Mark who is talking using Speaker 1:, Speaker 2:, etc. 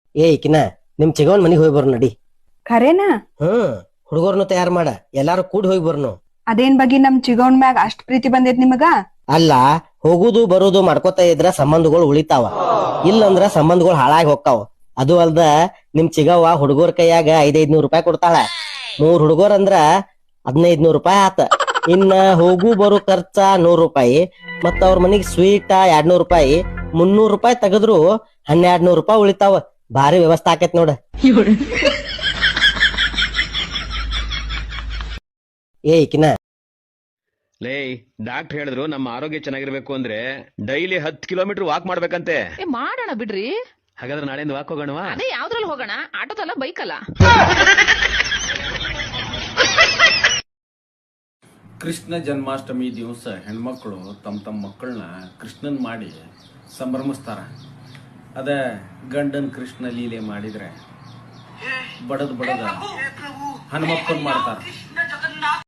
Speaker 1: ಈಕಿನ ನಿಮ್ ಚಿಗವನ್ ಮನಿಗ್ ಹೋಗಿ ಬರ್ ನಡಿ.
Speaker 2: ಖರೇನಾ?
Speaker 1: ಹುಡುಗರ್ನು ತಯಾರ್ ಮಾಡ, ಎಲ್ಲಾರು ಕೂಡಿ ಹೋಗಿ ಬರ್ನು.
Speaker 2: ಅದೇನ್ ಬಗ್ಗೆ ನಮ್ ಚಿಗವನ್ ಮ್ಯಾಗ ಅಷ್ಟ್ ಪ್ರೀತಿ ಬಂದೈತ್ ನಿಮಗ?
Speaker 1: ಅಲ್ಲ, ಹೋಗುದು ಬರುದು ಮಾಡ್ಕೋತಾ ಇದ್ರ ಸಂಬಂಧಗಳು ಉಳಿತಾವ, ಇಲ್ಲಂದ್ರ ಸಂಬಂಧಗಳು ಹಾಳಾಗಿ ಹೋಗ್ತಾವ. ಅದು ಅಲ್ದ ನಿಮ್ ಚಿಗವ್ವ ಹುಡುಗರ ಕೈಯಾಗ 500 ರೂಪಾಯಿ ಕೊಡ್ತಾಳ. 3 ಹುಡುಗರ್ ಅಂದ್ರ 1500 ರೂಪಾಯಿ ಆತ. ಇನ್ನ ಹೋಗು ಬರು ಖರ್ಚ 100 ರೂಪಾಯಿ, ಮತ್ತ ಅವ್ರ ಮನಿಗ್ ಸ್ವೀಟ್ 200 ರೂಪಾಯಿ, 300 ರೂಪಾಯಿ ತೆಗದ್ರು 1200 ರೂಪಾಯಿ ಉಳಿತಾವ. ಭಾರಿ ವ್ಯವಸ್ಥೆ ಆಕೇತ್ ನೋಡ. ಈಕಿನ
Speaker 3: ಲೇ, ಡಾಕ್ಟರ್ ಹೇಳಿದ್ರು ನಮ್ಮ ಆರೋಗ್ಯ ಚೆನ್ನಾಗಿರ್ಬೇಕು ಅಂದ್ರೆ ಡೈಲಿ 10 ಕಿಲೋಮೀಟರ್ ವಾಕ್ ಮಾಡ್ಬೇಕಂತೆ.
Speaker 4: ಮಾಡೋಣ ಬಿಡ್ರಿ.
Speaker 3: ಹಾಗಾದ್ರೆ ನಾಳೆಯಿಂದ ವಾಕ್ ಹೋಗೋಣವಾ?
Speaker 4: ಅದೇ ಯಾವ್ದ್ರಲ್ಲಿ ಹೋಗೋಣ? ಆಟೋದಲ್ಲ, ಬೈಕಲ್ಲ?
Speaker 5: ಕೃಷ್ಣ ಜನ್ಮಾಷ್ಟಮಿ ದಿವಸ ಹೆಣ್ಮಕ್ಳು ತಮ್ಮ ಮಕ್ಕಳನ್ನ ಕೃಷ್ಣನ್ ಮಾಡಿ ಸಂಭ್ರಮಿಸ್ತಾರ. ಅದ ಗಂಡನ್ ಕೃಷ್ಣ ಲೀಲೆ ಮಾಡಿದ್ರೆ ಬಡದ ಹನುಮಪ್ಪನ್ ಮಾಡ್ತಾರ.